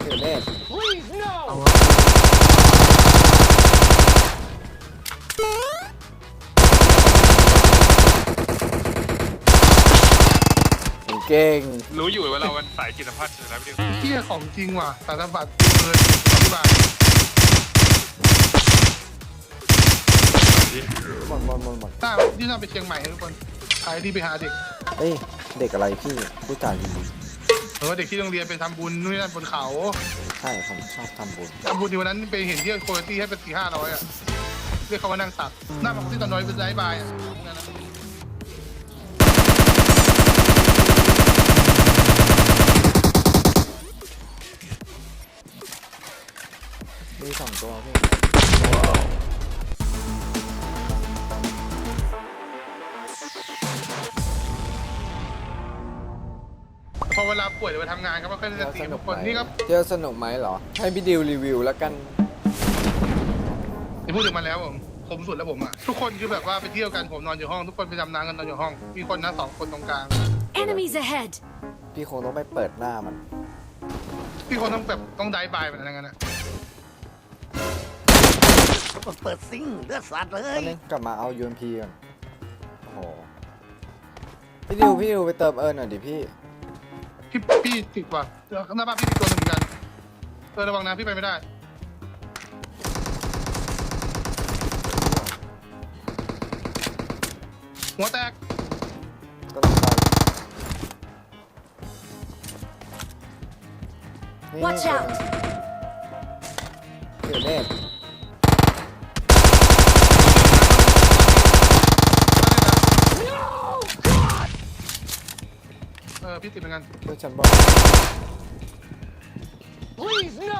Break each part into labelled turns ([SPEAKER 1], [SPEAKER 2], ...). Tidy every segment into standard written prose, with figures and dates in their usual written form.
[SPEAKER 1] เดี๋ยวเล่นเก่ง
[SPEAKER 2] รู้อยู่ว่าเราเป็นสายจิตสัมผัสอยู่แล้วพี่ดิว
[SPEAKER 3] เที่ยของจริงว่ะสารบัตรเลยที่บ้าน
[SPEAKER 1] หมด
[SPEAKER 3] ถ้าที่น่าไปเชียงใหม่ทุกคนใครที่ไปหาเด็ก
[SPEAKER 1] เอ้ยเด็กอะไรพี่พูดจาดี
[SPEAKER 3] หรือว่าเด็กที่โรงเรียนไปทำบุญนู่นนั่นบนเขา
[SPEAKER 1] ใช่ผมชอบทำบุญ
[SPEAKER 3] ทำบุญที่วันนั้นไปเห็นที่โคโยตี้ให้เป็น400-500อ่ะเรียกเขาว่านั่งสักหน้าบอกที่ตอนน้อยเป็นไลฟ์บายอ่ะนั่นนะ
[SPEAKER 1] มี2 ตัวพี่
[SPEAKER 3] พอเวลาป่วยหรือไปทำงานก็ไม่ค่อยได้สติทุกคนนี่ก็
[SPEAKER 1] เที่ยวสนุกไหมเหรอให้พี่ดิวรีวิวแล้วกัน
[SPEAKER 3] ที่พูดถึงมันแล้วผมสุดแล้วผมอ่ะทุกคนคือแบบว่าไปเที่ยวกันผมนอนอยู่ห้องทุกคนไปดำน้ำกันนอนอยู่ห้องมีคนนะ2 คนตรงกลาง
[SPEAKER 4] Enemies ahead!
[SPEAKER 1] พี่คงต้องไปเปิดหน้ามัน
[SPEAKER 3] พี่คนต้องแบบต้องไดฟ์บายแบบนั้นนะ
[SPEAKER 5] เปิดซิงเลือดสัตว์เล
[SPEAKER 1] ตอย นนี้กลับมาเอา UMP ก่อนโอ้โหพี่ดิวไปเติมหน่อยดิพี่
[SPEAKER 3] พี่ติดว่ะหน้าบ้านพี่ติดตัวหนึ่งเหมือนกันระวังนะพี่ไปไม่ได้หัวแตก
[SPEAKER 1] ก็ต้องไปนี่
[SPEAKER 4] Watch out
[SPEAKER 1] เดี๋ยวเล่น
[SPEAKER 3] พี่ติดเหมือนกัน
[SPEAKER 1] เพื่อนฉันบอก
[SPEAKER 5] Please no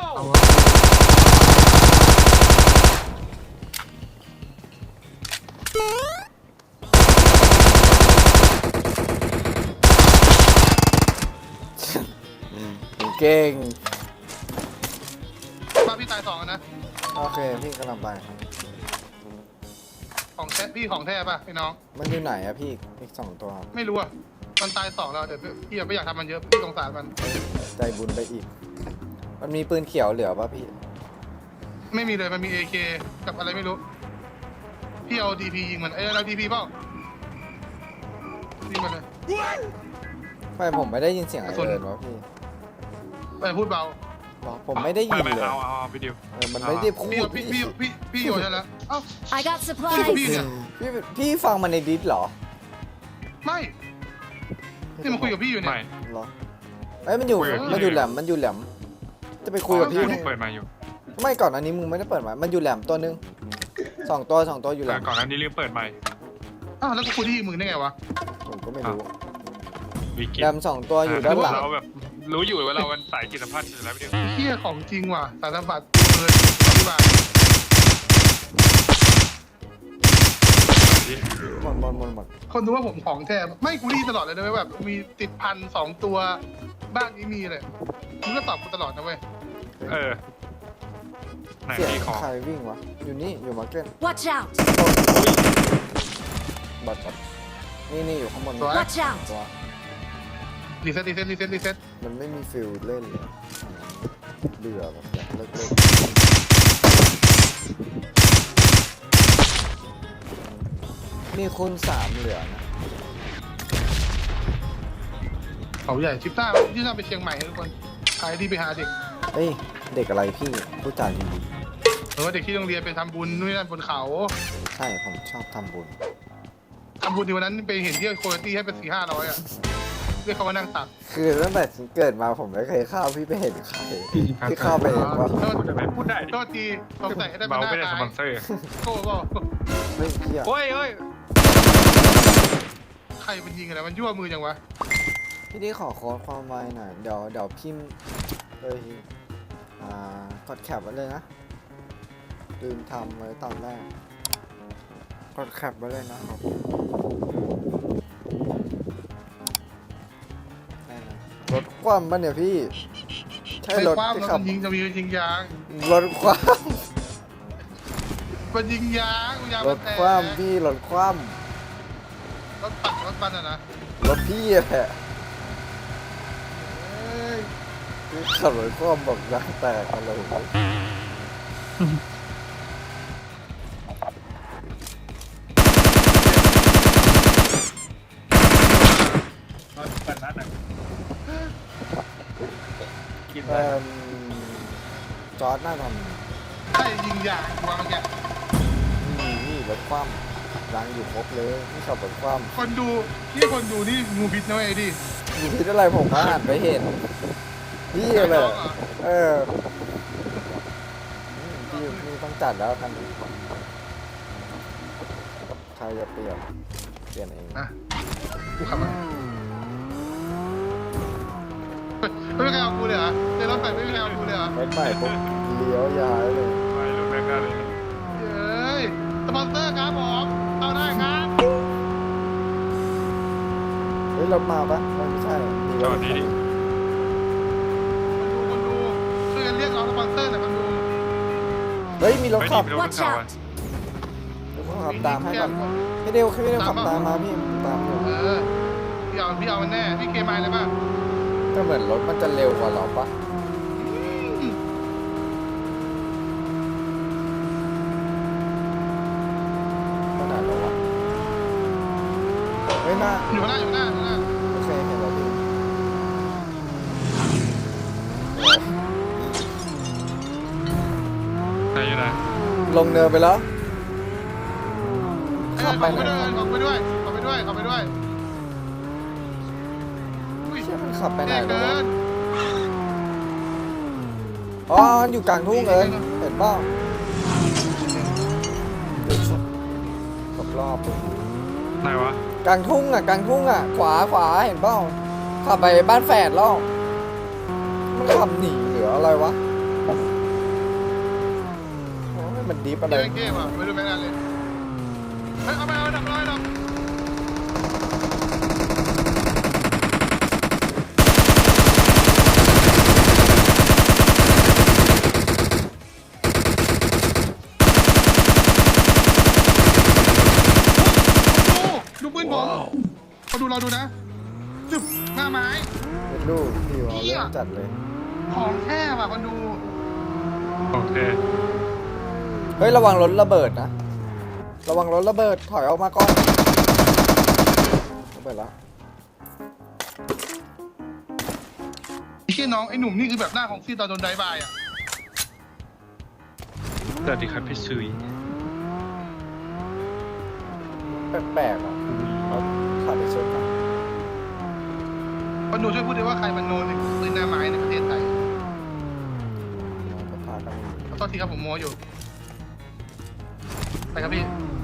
[SPEAKER 1] เก่ง
[SPEAKER 3] บ้านพี่ตาย2นะ
[SPEAKER 1] โอเคพี่กำลังไปครับ
[SPEAKER 3] ของแท้พี่ของแท้ป่ะพี่น้อง
[SPEAKER 1] มันอยู่ไหนอะพี่อีก2 ตัวครับ
[SPEAKER 3] ไม่รู้อ่ะมันตาย2แล้วแต่พี่ไม่อยากทำมันเยอะพี่สงสารมัน
[SPEAKER 1] ใจบุญไปอีก มันมีปืนเขียวเหลือป่ะพี่
[SPEAKER 3] ไม่มีเลยมันมี AK กับอะไรไม่รู้พี่เอา DP ยิงมันเรา DP เปล่ายิงมันเลย
[SPEAKER 1] ไม่ผมไม่ได้ยินเสียงอะไร
[SPEAKER 3] ส่วน
[SPEAKER 1] เลยวะพี่
[SPEAKER 3] ไปพูดเบา
[SPEAKER 1] หรอผมไม่ได้ยิน
[SPEAKER 2] ไม่
[SPEAKER 1] เลย
[SPEAKER 2] เอาพี่ดิว
[SPEAKER 1] มันไม่ได้พูด
[SPEAKER 3] พี่โยนใช่แล้วเอ้า
[SPEAKER 4] I got
[SPEAKER 3] พี่
[SPEAKER 4] supplies!
[SPEAKER 3] เนี่ย
[SPEAKER 1] พี่ฟังมันในดิสเหรอ
[SPEAKER 3] ไม่นี่มันคุยกับพี่อยู่เนี่
[SPEAKER 2] ไม่
[SPEAKER 3] ย
[SPEAKER 1] เหรอเอ้ยมันอยู่
[SPEAKER 2] คุยกับพี่
[SPEAKER 1] มันอยู่แหลมจะไปคุยกับพี่
[SPEAKER 3] อ๋อ
[SPEAKER 1] นี่
[SPEAKER 2] เปิดมาอยู่
[SPEAKER 1] ไม่ก่อนอันนี้มึงไม่ได้เปิดมามันอยู่แหลมตัวนึง2 ตัวอยู่แหล
[SPEAKER 2] แต่
[SPEAKER 1] ม
[SPEAKER 2] ก่อนหน้านี้ลืมเปิดใหม่
[SPEAKER 3] อ้าวแล้วกูคุยที่มึงได้ไงวะ
[SPEAKER 1] ผมก็ไม่รู้
[SPEAKER 2] วิกิ
[SPEAKER 1] แหลม2 ตัวอยู่ด้านหลัง
[SPEAKER 2] เราแบบรู้อยู่ว่าเราเป็นสายจิตสัมผัสอยู่แล้วพี่ดิว
[SPEAKER 3] เที่ยของจริงว่ะสารบัตรเลยที่บ้าน
[SPEAKER 1] หมด
[SPEAKER 3] คนรู้ว่าผมของแท้ไม่กูรีตลอดเลยนะเว้ยแบบมีติดพัน2 ตัวบ้านนี้มีเลยมึงก็ตอบกูตลอดนะเว้ย
[SPEAKER 2] ไหน
[SPEAKER 1] เสียง
[SPEAKER 2] พี่ขอ
[SPEAKER 1] ใครวิ่งวะอยู่นี่อยู่มาร์เก็ต
[SPEAKER 4] Watch out!
[SPEAKER 1] บัตรนี่อยู่ข้างบน
[SPEAKER 4] Watch out!
[SPEAKER 1] ตัว
[SPEAKER 3] รีเซ็ต
[SPEAKER 1] มันไม่มีฟิลเล่นเลยเบื่อแบบอยากเลิกมีคูณ3เหลือนะ
[SPEAKER 3] เขาใหญ่ชิปต้าที่น่าไปเชียงใหม่ทุกคนใครที่ไปหาเด็ก
[SPEAKER 1] เอ้ยเด็กอะไรพี่พูดจาดี
[SPEAKER 3] หรือว่าเด็กที่โรงเรียนไปทำบุญนู่นนั่นบนเขา
[SPEAKER 1] ใช่ผมชอบทำบุญ
[SPEAKER 3] ทำบุญที่วันนั้นไปเห็นที่โคโยตี้ให้เป็น400-500อ่ะเรียกเขาว่านั่งตัก
[SPEAKER 1] คือตั้งแต่ฉันเกิดมาผมไม่เคยเข้าพี่ไปเห็นใครพี่เข้าไปเองว่า
[SPEAKER 2] พูดได้
[SPEAKER 3] โทษทีสงสัยให้ได้เป็น
[SPEAKER 2] เบา
[SPEAKER 3] หน้า
[SPEAKER 2] ไม่ได้
[SPEAKER 3] ตา
[SPEAKER 2] สปอนเซอร์
[SPEAKER 3] โก้เปล่า
[SPEAKER 1] เฮ้ยเฮีย
[SPEAKER 2] โอ้ย
[SPEAKER 3] ใครมันยิงอะไรมันยั่วมือจังวะ
[SPEAKER 1] พี่นี่ขอโค้ดความไวหน่อยเดี๋ยวพิมพ์เลยกดแคปไว้เลยนะลืมทำไว้ตอนแรกกดแคปไว้เลยนะครับรถคว่ำปะเนี่ยพี่ใช่
[SPEAKER 3] ไอ้
[SPEAKER 1] รถ
[SPEAKER 3] ความ
[SPEAKER 1] ที่
[SPEAKER 3] แล้ว
[SPEAKER 1] ขับ
[SPEAKER 3] มันยิงจะมียิงยาง
[SPEAKER 1] รถคว่
[SPEAKER 3] มันยิงยางยาง
[SPEAKER 1] ำร
[SPEAKER 3] มัน
[SPEAKER 1] ถ
[SPEAKER 3] แตก
[SPEAKER 1] คว่ำพี่รถคว่
[SPEAKER 3] รถปัดรถปันอ่ะนะ
[SPEAKER 1] ำรถพี่แหละ
[SPEAKER 3] เอ้ย
[SPEAKER 1] กขับรถความบอกยางแตกอะไรวะ
[SPEAKER 2] รถเปิดร้านหน่อยกิน
[SPEAKER 1] เอ
[SPEAKER 2] ได้
[SPEAKER 1] อจอร์ดน่าท
[SPEAKER 3] ใช่ยิงยางกูว่าเมื่อกี้
[SPEAKER 1] ำนี่รถคว่ำยางอยู่ครบเลยนี่ขับรถคว่
[SPEAKER 3] คนดูนี่คนดูนี่งูพิษนะเว้ยดิ
[SPEAKER 1] ำอยู่ที่อะไรผมก็อ่านไปเห็นพี่เลย เออพี่นี่ต้องจัดแล้วกันใครจะเปลี่ยนเอง
[SPEAKER 3] อ่ะกูขับมาไม่มีใครเอากูเลยเหรอเดี๋ยวรถไปไม่มีใครเอากูเลยเหรอ
[SPEAKER 1] รถใหม่ปุ๊บเลี้ยวย้ายเลย
[SPEAKER 2] ไปรถแม่งได้เลย
[SPEAKER 3] เฮ้ยสปอนเซอร์ครับผมเอาได้ครับ
[SPEAKER 1] เฮ้ยรถมาปะไม่ใช่มี
[SPEAKER 2] จ
[SPEAKER 1] ร
[SPEAKER 2] อ
[SPEAKER 1] ถ
[SPEAKER 2] ดดีดิ
[SPEAKER 3] คนดูช่วยกันเรียกร้องสปอนเซอร์หน่อยคนดู
[SPEAKER 1] เฮ้ยมีรถ
[SPEAKER 2] ไม่
[SPEAKER 1] ขั
[SPEAKER 2] ดี
[SPEAKER 1] บ
[SPEAKER 2] ไปรถ
[SPEAKER 4] Watch
[SPEAKER 2] เขา
[SPEAKER 4] out
[SPEAKER 2] อ่ะ
[SPEAKER 1] รถขับตามให้ก่อนพี่เดียวขับตามมาพี่ตามอยู่
[SPEAKER 3] พี่เอามันแน่พี่เคมายเลยป่ะ
[SPEAKER 1] ก็เหมือนรถมันจะเร็วกว่าเราปะขนาดเราวะเฮ้ยน่า
[SPEAKER 3] อยู่ข้างหน้าอยู่ข้างหน้าอยู่ข้างหน้า
[SPEAKER 1] โอเคเห็นแล้วพี่
[SPEAKER 2] ไหนอยู่ไหน
[SPEAKER 1] ลงเนินไปแล้ว ขับ
[SPEAKER 3] ข
[SPEAKER 1] ไป
[SPEAKER 3] อ
[SPEAKER 1] ไหน
[SPEAKER 3] ไปด้วยขอไปด้วยขอไปด้วยอุ้ย
[SPEAKER 1] เชี่ยมันขับไปไหน
[SPEAKER 3] เกิ
[SPEAKER 1] แล้ววะ
[SPEAKER 3] น
[SPEAKER 1] อ๋อมันอยู่กลางทุ่งเลยเห็นเปล่าขับรอบเลย
[SPEAKER 2] ไหนวะ
[SPEAKER 1] กลางทุ่งอ่ะกลางทุ่งอ่ะขวาเห็นเปล่าขับไปบ้านแฝดแล้วมันขับหนีหรืออะไรวะโอ้ยมันดิฟอะไร
[SPEAKER 3] เกมอ่ะไม่รู้แม่งานเลยเฮ้ยเอาไปเอาดับร้อยดับดูปืนผมเขาดูเราดูนะจึบหน้าไม้
[SPEAKER 1] เป็นลูกพี่เอาเรื่องจัดเลย
[SPEAKER 3] ของแท้ว่ะคนดู
[SPEAKER 2] โอเค
[SPEAKER 1] เฮ้ยระวังรถระเบิดนะระวังรถระเบิดถอยออกมาก่อนระเบิดแล้ว
[SPEAKER 3] ไอ้เชี่ยน้องไอ้หนุ่มนี่คือแบบหน้าของซีตอนโดนไดบายอ่ะ
[SPEAKER 2] สวัสดีครับพี่ซุย
[SPEAKER 1] แปลกๆอ่ะเขาขับไปชนกัน
[SPEAKER 3] คนดูช่วยพูดด้วยว่าใครมันโนนในปืนหน้าไม้ในประเทศไทย
[SPEAKER 1] ก็พากัน
[SPEAKER 3] ขอโทษทีครับผมโมอยู่ไปครับพี่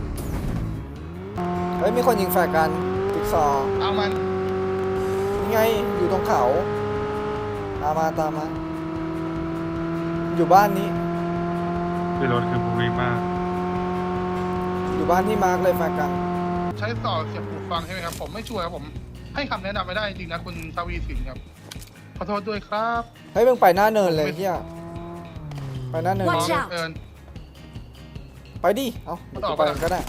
[SPEAKER 1] เฮ้ยมีคนยิงแฟร์กันจิ๊กซอว์
[SPEAKER 3] เอามัน
[SPEAKER 1] นี่ไงอยู่ตรงเขาตามมาอยู่บ้านนี้
[SPEAKER 2] คือรถคือบูวิ่งมาก
[SPEAKER 1] อยู่บ้านที่มาร์กเลยแฟร์กัน
[SPEAKER 3] ใช้ต่อเสียบหูฟังใช่ไหมครับผมไม่ช่วยครับผมให้คำแนะนำไม่ได้จริงนะคุณทวีสินครับขอโทษด้วยครับ
[SPEAKER 1] เฮ้ยมึงไปหน้าเนินเลยเฮียไปหน้าเนิน
[SPEAKER 4] Watch
[SPEAKER 3] น้อง
[SPEAKER 4] out
[SPEAKER 3] เอิญ
[SPEAKER 1] ไปดิเอ้าเดี๋ยวกูไปก็ได้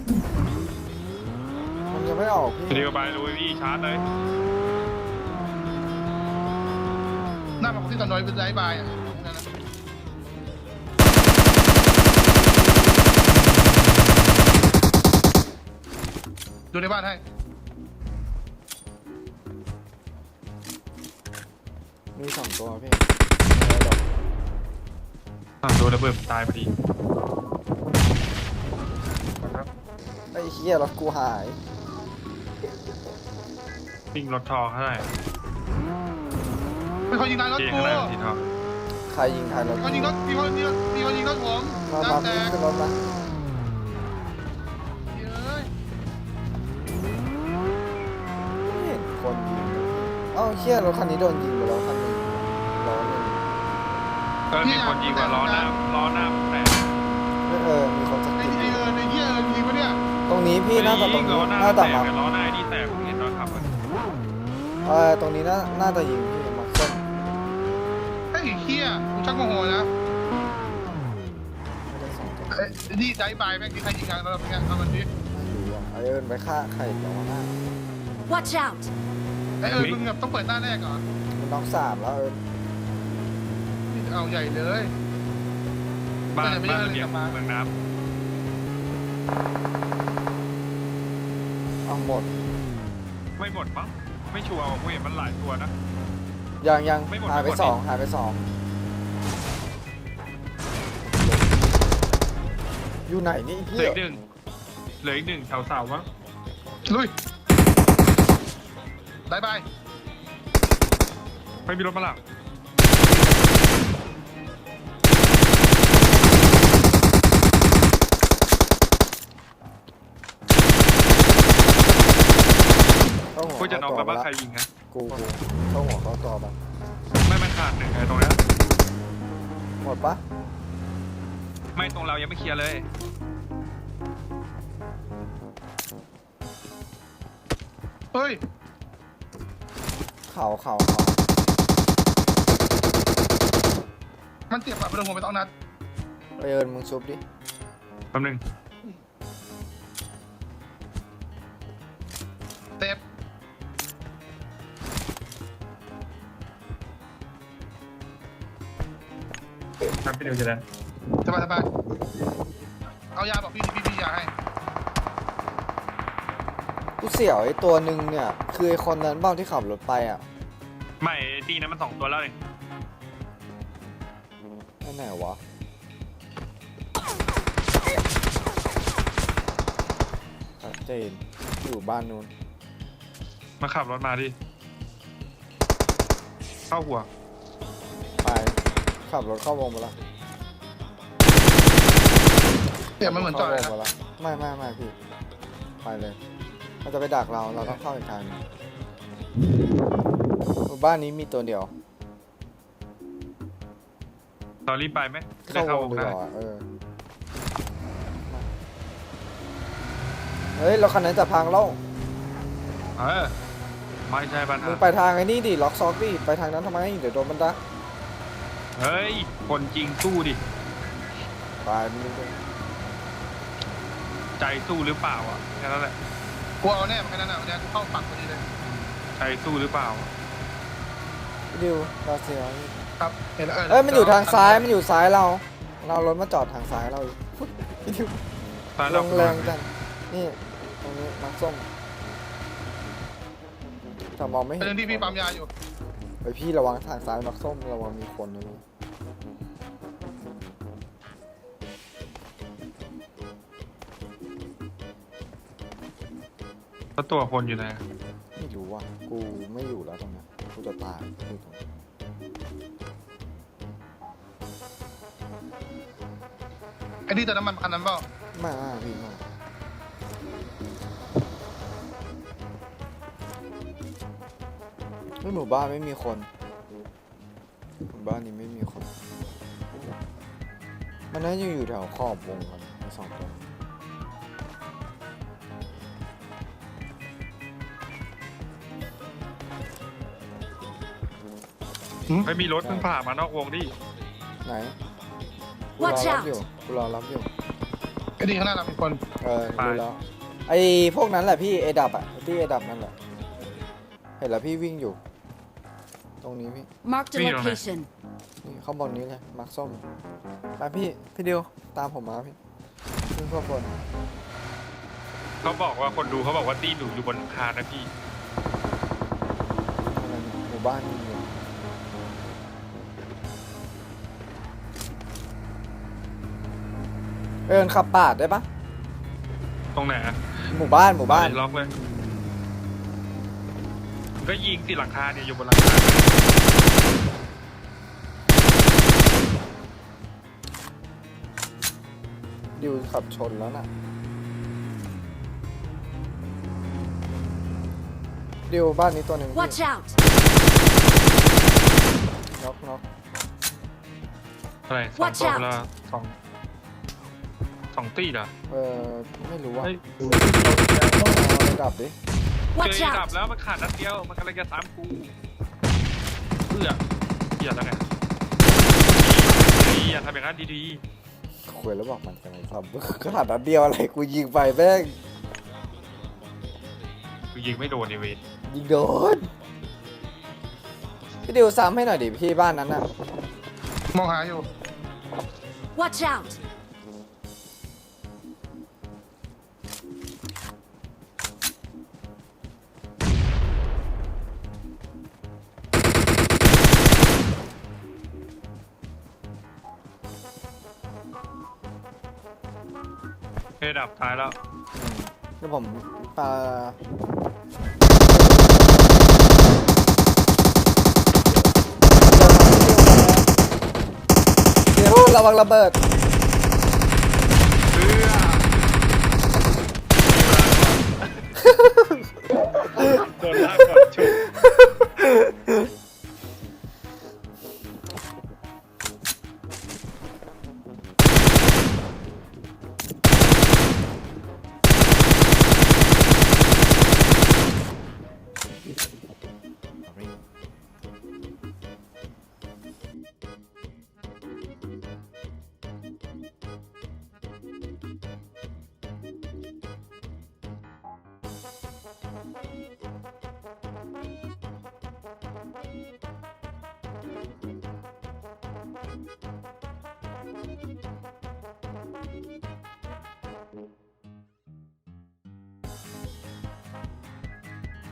[SPEAKER 1] มันยังไม่ออกพี่
[SPEAKER 2] ทีนี้ก็ไปลุยพี่ชาร์จเลย
[SPEAKER 3] หน้ามาของที่ตอนน้อยเป็นไดบายอ่ะนั่นนะดูในบ้านให้
[SPEAKER 1] มี2 ตัวพี่
[SPEAKER 2] โดนระเบิดตายพอดี
[SPEAKER 1] ไอ้เฮียรถกูหาย
[SPEAKER 2] วิ่งรถทองเท่าไหร่
[SPEAKER 3] เป็นคนยิงนายรถ
[SPEAKER 2] เจ๊
[SPEAKER 3] กู
[SPEAKER 2] ข้างในสีทอง
[SPEAKER 1] ใครยิงใครรถ
[SPEAKER 3] มีคนยิงรถมีคนยิงรถผม
[SPEAKER 1] มา
[SPEAKER 3] น้ำแต
[SPEAKER 1] พี่
[SPEAKER 3] ก
[SPEAKER 1] ขึ้นรถมา
[SPEAKER 3] เย้ย
[SPEAKER 1] ไม่เห็นคนยิงเลยเอ้าเฮียรถคันนี้โดนยิงไปแล้วคันหนึงล้อหนึง
[SPEAKER 2] มีคนยิงกว่าล้อหน้าแตก
[SPEAKER 1] มีคนสัก
[SPEAKER 3] ไอ้
[SPEAKER 1] ที
[SPEAKER 3] เอิญไอ้เหี้ยเอิญยิงปะเนี่ย
[SPEAKER 1] ตรงนี้พี่น่าจะตรง
[SPEAKER 2] ล้
[SPEAKER 1] นี้
[SPEAKER 2] อหน้า
[SPEAKER 1] น่า
[SPEAKER 2] แต
[SPEAKER 1] จะ
[SPEAKER 2] ก
[SPEAKER 1] มา
[SPEAKER 2] ล้อหน้านี่แตกผมเห็นตอนขับอะ
[SPEAKER 1] ตรงนี้น่าจะยิงพี่มาส้น
[SPEAKER 3] ไอ้เหี้ยกูชักโมโหนะ
[SPEAKER 1] ไม่ได้2 ตัว
[SPEAKER 3] ไอ้นี่ไดบายแม่งที่ใครยิงงานเราเป็นไงเอามันดิ
[SPEAKER 1] ไม่รู้อ่ะไอเอิญไปฆ่าใครเดี๋ยวหน้า
[SPEAKER 4] Watch out!
[SPEAKER 3] ไอ้เอิญมึงแบบต้องเปิดหน้าแรกเหรอ
[SPEAKER 1] มันน้อง3แล้วเอิญ
[SPEAKER 3] เอาใหญ่เลย
[SPEAKER 2] บ้าน
[SPEAKER 3] ไม่
[SPEAKER 2] บ้าน
[SPEAKER 3] ได้
[SPEAKER 2] ระเบียง
[SPEAKER 3] ไม่ได้
[SPEAKER 2] เมืองน้
[SPEAKER 1] เอาหมด
[SPEAKER 2] ำไม่หมดมั้งไม่ชัวร์ว่ะกูเห็นมันหลายตัวนะ
[SPEAKER 1] ยัง
[SPEAKER 2] ไม่หมด
[SPEAKER 1] หายไป
[SPEAKER 2] ไม่หมด
[SPEAKER 1] สอง
[SPEAKER 2] ดิ
[SPEAKER 1] หายไปสองอยู่ไหนนี่
[SPEAKER 2] เห
[SPEAKER 1] เฮี
[SPEAKER 2] ลือย อีกหนึ่งเหลืออีกหนึ่งแถวเสามั้ง
[SPEAKER 3] ลุยบายบาย
[SPEAKER 2] ไม่มีรถมาหลัง
[SPEAKER 1] เข้าหัว
[SPEAKER 2] กูจะน็อกแล้ว
[SPEAKER 1] เข้า
[SPEAKER 2] ว่า
[SPEAKER 1] ตัว
[SPEAKER 2] ใครยิงนะ
[SPEAKER 1] กูเข้าหัวเข้าตัวไป
[SPEAKER 2] ไม่มันขาดหนึ่งไอ้ตรงเนี้ย
[SPEAKER 1] หมดปะ
[SPEAKER 2] ไม่ตรงเรายังไม่เคลียร์เลย
[SPEAKER 3] เฮ้ย
[SPEAKER 1] เข่า
[SPEAKER 3] มันเจ็บอะไปโดนหัวไปต้องนัด
[SPEAKER 1] ไปเอิญมึงซุบดิ
[SPEAKER 2] แป๊บนึง
[SPEAKER 3] เจ็บ
[SPEAKER 2] ครับพี่เดียวจะได้
[SPEAKER 3] สบายสบายเอายาบอกพี่ยาให้
[SPEAKER 1] กูเสี่ยวไอ้ตัวหนึ่งเนี่ย คือไอ้คนนั้นเบ้าที่ขับรถไปอ่ะ
[SPEAKER 2] ไม่ไอ้ตีนั้นมัน2 ตัวแล้วเอง
[SPEAKER 1] ไอ้ไหนวะชัดเจนอยู่บ้านนู้น
[SPEAKER 2] มาขับรถมาดิเข้าหัว
[SPEAKER 1] ไปขับรถเข้าวงไปละ
[SPEAKER 3] เจ็บมันเหมือนจอย
[SPEAKER 1] เข้าวง
[SPEAKER 3] นะ
[SPEAKER 1] ไปละไม่พี่ไปเลยมันจะไปดักเราต้องเข้าอีกทางหนึ่งบ้านนี้มีตัวเดียว
[SPEAKER 2] ตอนรีบไปไหมจะได้
[SPEAKER 1] เข้า
[SPEAKER 2] เข้าว
[SPEAKER 1] ง
[SPEAKER 2] วง
[SPEAKER 1] ดีก
[SPEAKER 2] ได้
[SPEAKER 1] ว่าเฮ้ยเราคันนั้นจะพังแล้ว
[SPEAKER 2] ไม่ใช่ปัญ
[SPEAKER 1] มึ
[SPEAKER 2] หาง
[SPEAKER 1] ไปทางไอ้นี่ดิล็อกซอกดิไปทางนั้นทำไมเดี๋ยวโดนมันดัก
[SPEAKER 2] เฮ้ยคนจริงสู้ดิ
[SPEAKER 1] ไปมึงดู
[SPEAKER 2] ใจสู้หรือเปล่าอ่ะแค่นั้นแหละ
[SPEAKER 3] กูเอาแน่เหมือนกันนะเนี่ยกูเข้าปักพอดีเลย
[SPEAKER 2] ใจสู้หรือเปล่า
[SPEAKER 1] ดิวเราเสียว
[SPEAKER 3] ครับเห็นแล้ว
[SPEAKER 1] เอ้ยมันอยู่ทางซ้ายมันอยู่ซ้ายเรารถมาจอดทางซ้ายเราอีกพี่ดิว
[SPEAKER 2] ตาย
[SPEAKER 1] ล
[SPEAKER 2] แล้ว
[SPEAKER 1] งแรงจังนี่ตรงนี้น้ำส้มแต่มองไม่
[SPEAKER 3] เป็น
[SPEAKER 1] เห็น
[SPEAKER 3] เรื่องที่พี่ปั๊มยาอยู่
[SPEAKER 1] ไปพี่ระวังทางซ้ายน้ำส้มระวังมีคนนะลูก
[SPEAKER 2] แล้วตัวคนอยู่ไหน
[SPEAKER 1] ไม่รู้ว่ะกูไม่อยู่แล้วตรงนั้นกูจะตายอยู่ตรงนั้น
[SPEAKER 3] ไอ้นี่เติมน้ำมันคันนั้นเปล่า
[SPEAKER 1] ไม่พี่ไม่หมู่บ้านไม่มีคนหมู่บ้านนี้ไม่มีคน มันน่าจะอยู่แถวขอบวงกันไอ้สองตัว
[SPEAKER 2] ไม่มีรถเพิ่งผ่านมานอกวงดิ
[SPEAKER 1] ไหนกูรอ
[SPEAKER 4] Watch
[SPEAKER 1] รับ
[SPEAKER 4] out
[SPEAKER 1] อยู่กูรอรับอยู่
[SPEAKER 3] ไอ้นี่ข้างหน้าเราเป็นคน
[SPEAKER 1] รู้แล้วไอ้พวกนั้นแหละพี่เอดับอะที่เอดับนั่นแหละเห็นแล้วพี่วิ่งอยู่ ตรงนี้พี่
[SPEAKER 4] Marked a location.
[SPEAKER 1] นี่ข้างบนนี้เลยมาร์คส้มไปพี่ดิวตามผมมาพี่ขึ้นข้างบน
[SPEAKER 2] เขาบอกว่าคนดูเขาบอกว่าตีหนูอยู่บนคานนะพี่
[SPEAKER 1] อะไรเนี่ยหมู่บ้านนี่อยู่ขับปาดได้ปะ
[SPEAKER 2] ตรงไหนอะ
[SPEAKER 1] หมู่บ้าน
[SPEAKER 2] ล็อกเลยมันก็ยิงสิหลังคาเนี่ยอยู่บนหลังคา
[SPEAKER 1] ดิวขับชนแล้วน่ะดิวบ้านนี้ตัวหนึ่ง
[SPEAKER 4] Watch out!
[SPEAKER 1] น็อก
[SPEAKER 2] อะไรสอง
[SPEAKER 4] Watch
[SPEAKER 2] ตัว
[SPEAKER 4] out
[SPEAKER 2] ละสองตีเหรอ
[SPEAKER 1] ไม่รู้ว่า
[SPEAKER 2] เฮ้ย
[SPEAKER 1] ระดับดิ
[SPEAKER 2] เจ
[SPEAKER 4] Watch
[SPEAKER 2] อดับ
[SPEAKER 4] out!
[SPEAKER 2] แล้วมันขาดนัดเดียวมันกำลังจะซ้ำกูเพื่อแล้วไงอย่าทำอย่างนั้นดี
[SPEAKER 1] คุยแล้วบอกมันกันไงครับขนาดนั้นเดียวอะไรกูยิงไปแม่ง
[SPEAKER 2] ๆกูยิงไม่โดนในเวท
[SPEAKER 1] ยิงโดนพี่ดิวซ้ำให้หน่อยดิพี่บ้านนั้นน่ะ
[SPEAKER 3] มองหาอยู่
[SPEAKER 4] Watch out!
[SPEAKER 2] เฮดับท้ายแล้ว
[SPEAKER 1] แล้วผมปาเดี๋ยวระวังระเบิด
[SPEAKER 2] เพื่อโดนลากก่อนชุบ
[SPEAKER 4] Thank you.